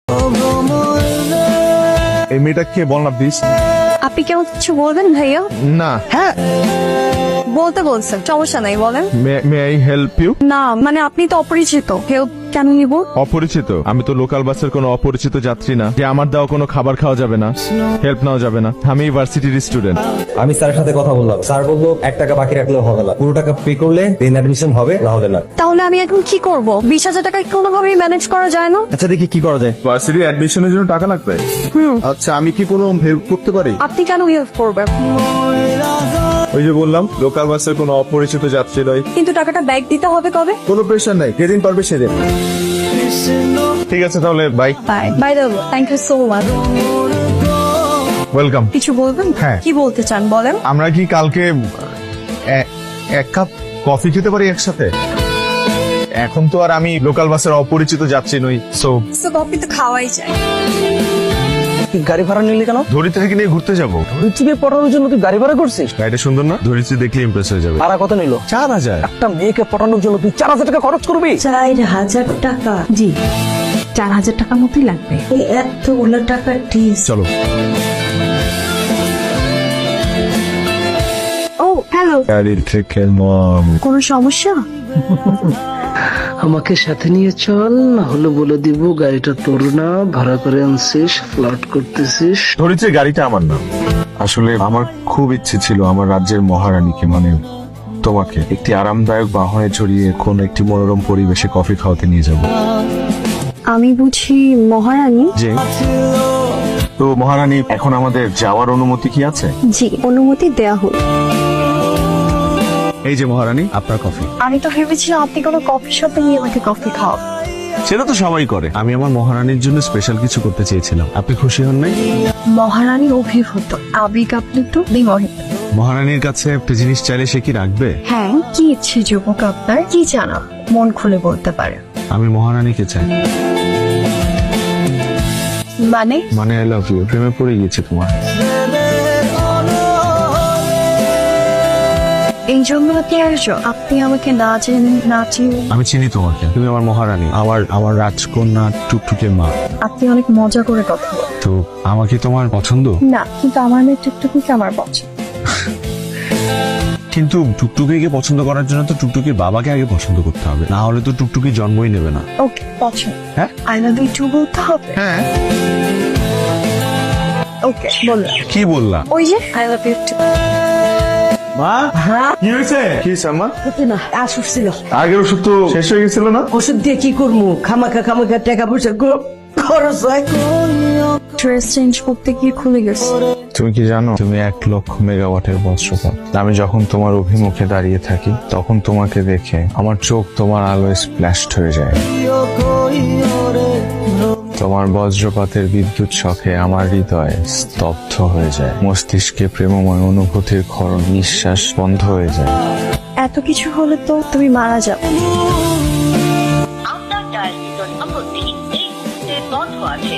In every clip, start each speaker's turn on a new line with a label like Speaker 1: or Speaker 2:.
Speaker 1: এই মেয়েটা কে বল না প্লিজ।
Speaker 2: আপনি কেমন কিছু বলবেন ভাইয়া?
Speaker 1: না। হ্যাঁ,
Speaker 2: বলতে বলছেন, সমস্যা নাই, বলেন।
Speaker 1: May I help you?
Speaker 2: না মানে আপনি তো অপরিচিত, হেল্প কেন নিব?
Speaker 1: অপরিচিত? আমি তো লোকাল বাসের কোনো অপরিচিত যাত্রী না যে আমার দেওয়া কোনো খাবার খাওয়া যাবে না, হেল্প নেওয়া যাবে না। আমি ইউনিভার্সিটির স্টুডেন্ট।
Speaker 3: আমি স্যারের সাথে কথা বললাম, স্যার বললো 1 টাকা বাকি রাখলেও হবে না, পুরো টাকা পে করলে দেন অ্যাডমিশন হবে, না হলে না।
Speaker 2: তাহলে আমি এখন কি করব? 20,000 টাকা কোনোভাবেই ম্যানেজ করা যায় না?
Speaker 3: আচ্ছা দেখি কি করা যায়।
Speaker 1: ভার্সিটি অ্যাডমিশনের জন্য টাকা লাগবে? আচ্ছা, আমি কি কোনো হেল্প করতে পারি?
Speaker 2: আপনি কেন হেল্প করবেন?
Speaker 1: ওই যে বললাম, লোকাল বাসের কোনো অপরিচিত যাত্রী নয়।
Speaker 2: কিন্তু টাকাটা ব্যাক দিতে হবে কবে?
Speaker 1: কোনো প্রেশার নাই, যেদিন পারবে সেদিন। ঠিক আছে তাহলে, bye.
Speaker 2: Bye by the way, thank you so much.
Speaker 1: Welcome.
Speaker 2: কিছু বলবেন?
Speaker 1: হ্যাঁ।
Speaker 2: কি বলতে চান বলেন।
Speaker 1: আমরা কি কালকে এক কাপ কফি খেতে পারি একসাথে? এখন তো আর আমি লোকাল বাসের অপরিচিত যাত্রী নই, সো
Speaker 2: কফি তো খাওয়াই যায়।
Speaker 3: তুই গাড়ি ভাড়া নিলি কেন?
Speaker 1: ধরিত্রী থেকে নিয়ে ঘুরতে যাবো।
Speaker 3: ধরিত্রীকে পটানোর জন্য তুই গাড়ি ভাড়া করছিস?
Speaker 1: গাড়িটা সুন্দর না? ধরিত্রী দেখলে ইমপ্রেস হয়ে যাবে।
Speaker 3: ভাড়া কত নিল?
Speaker 1: 4,000।
Speaker 3: একটা মেয়েকে পটানোর জন্য তুই 4,000 টাকা খরচ করবি?
Speaker 4: 4,000 টাকা? জি, 4,000 টাকার মতোই লাগবে। এই এতগুলো টাকা টিস।
Speaker 1: চলো।
Speaker 2: ও হ্যালো,
Speaker 1: গাড়ির থেকে মম।
Speaker 2: কোনো সমস্যা?
Speaker 5: আমাকে সাথে নিয়ে চল, না হলে বলে দিব গাড়িটা তোর না, ভাড়া করে আনছিস, ফ্লার্ট করতেছিস।
Speaker 1: ধরিত্রী, গাড়িটা আমার না। আসলে আমার খুব ইচ্ছে ছিল আমার রাজ্যের মহারানীকে, মানে তোমাকে, একটি আরামদায়ক বাহনে চড়িয়ে কোন একটি মনোরম পরিবেশে কফি খাওয়াতে নিয়ে যাব।
Speaker 2: আমি বুঝি মহারানী?
Speaker 1: যে তো মহারানী, এখন আমাদের যাওয়ার অনুমতি কি আছে?
Speaker 2: জি, অনুমতি দেয়া হোক।
Speaker 1: এই যে মহারানী, আপনার কফি।
Speaker 2: আমি তো ভেবেছিলাম আপনি কোনো কফি শপে নিয়ে আমাকে কফি খাওয়াবেন।
Speaker 1: সেটা তো সবাই করে, আমি আমার মহারানীর জন্য স্পেশাল কিছু করতে চেয়েছিলাম। আপনি খুশি হন নাই?
Speaker 2: মহারানী অভিভূত, আবেগ আপ্লুত, বিমোহিত।
Speaker 1: মহারানীর কাছে একটা জিনিস চাইলে সে কি রাখবে?
Speaker 2: হ্যাঁ, কি ইচ্ছে যুবক আপনার? কি জানা, মন খুলে বলতে পারে।
Speaker 1: আমি মহারানীকে চাই।
Speaker 2: মানে?
Speaker 1: মানে আই লাভ ইউ, প্রেমে পড়ে গিয়েছে তোমার।
Speaker 2: এই জন্য আপনি আসো? আপনি আমাকে না চেনেন, না চিনেন।
Speaker 1: আমি চিনি তোমাকে, তুমি আমার মহারানী, আমার রাজকন্যা, টুকটুকের মা।
Speaker 2: আপনি অনেক মজা করে কথা বলেন।
Speaker 1: তো আমাকে তোমার পছন্দ?
Speaker 2: না, কিন্তু আমার মেয়ে টুকটুকিকে আমার পছন্দ।
Speaker 1: কিন্তু টুকটুকিকে পছন্দ করার জন্য তো টুকটুকির বাবাকে আগে পছন্দ করতে হবে, না হলে তো টুকটুকি জন্মই নেবে না।
Speaker 2: ওকে, পছন্দ।
Speaker 1: হ্যাঁ,
Speaker 2: আই লাভ ইউ টু বলতে হবে।
Speaker 1: হ্যাঁ।
Speaker 2: ওকে, বললাম।
Speaker 1: কি বললা?
Speaker 2: ওই যে আই লাভ ইউ টু।
Speaker 1: মা, কি হয়েছে? কি সাম্মা?
Speaker 4: না, আসুক ছিল।
Speaker 1: আগের ওষুধ তো শেষ হয়ে গেছিল না?
Speaker 4: ওষুধ দিয়ে কি করবো? খামাখা টাকা পয়সা খরচ হয়।
Speaker 2: ড্রেস চেঞ্জ করতে গিয়ে খুলে গেছে।
Speaker 1: তুমি কি জানো, তুমি 1,00,000 মেগাওয়াটের বজ্রপাত। আমি যখন তোমার অভিমুখে দাঁড়িয়ে থাকি, তখন তোমাকে দেখে আমার চোখ তোমার আলোয় স্প্ল্যাশড হয়ে যায়। তোমার বজ্রপাতের বিদ্যুৎ শখে আমার হৃদয় স্তব্ধ হয়ে যায়, মস্তিষ্কে প্রেমময় অনুভূতির ক্ষরণ, নিঃশ্বাস বন্ধ হয়ে যায়।
Speaker 2: এত কিছু হলে তো তুমি মারা যাও।
Speaker 6: আপনার ডায়ালকৃত নম্বরটি এই মুহূর্তে বন্ধ আছে।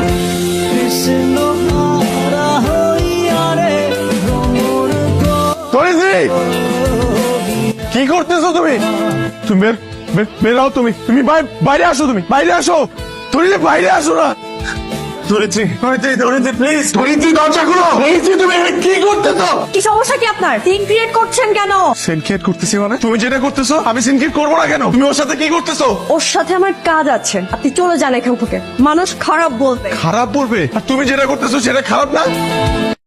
Speaker 1: কি করতেছো তুমি? তুমি বেরাও, তুমি বাইরে আসো, তুমি বাইরে আসো। ধরিত্রী, বাইরে আসো না। ধরিত্রী, প্লিজ, ধরিত্রী, দরজা খুলো। ধরিত্রী, তুমি কি করতেছো?
Speaker 2: কি সমস্যা কি আপনার? সিন ক্রিয়েট করছেন কেন?
Speaker 1: সিনক্রিয়েট করতেছি মানে? তুমি যেটা করতেছো আমি সিনক্রিয়েট করবো না কেন? তুমি ওর সাথে কি করতেছো?
Speaker 2: ওর সাথে আমার কাজ আছে, আপনি চলে যান এখান থেকে। মানুষ খারাপ বলবে।
Speaker 1: খারাপ বলবে? আর তুমি যেটা করতেছো সেটা খারাপ না?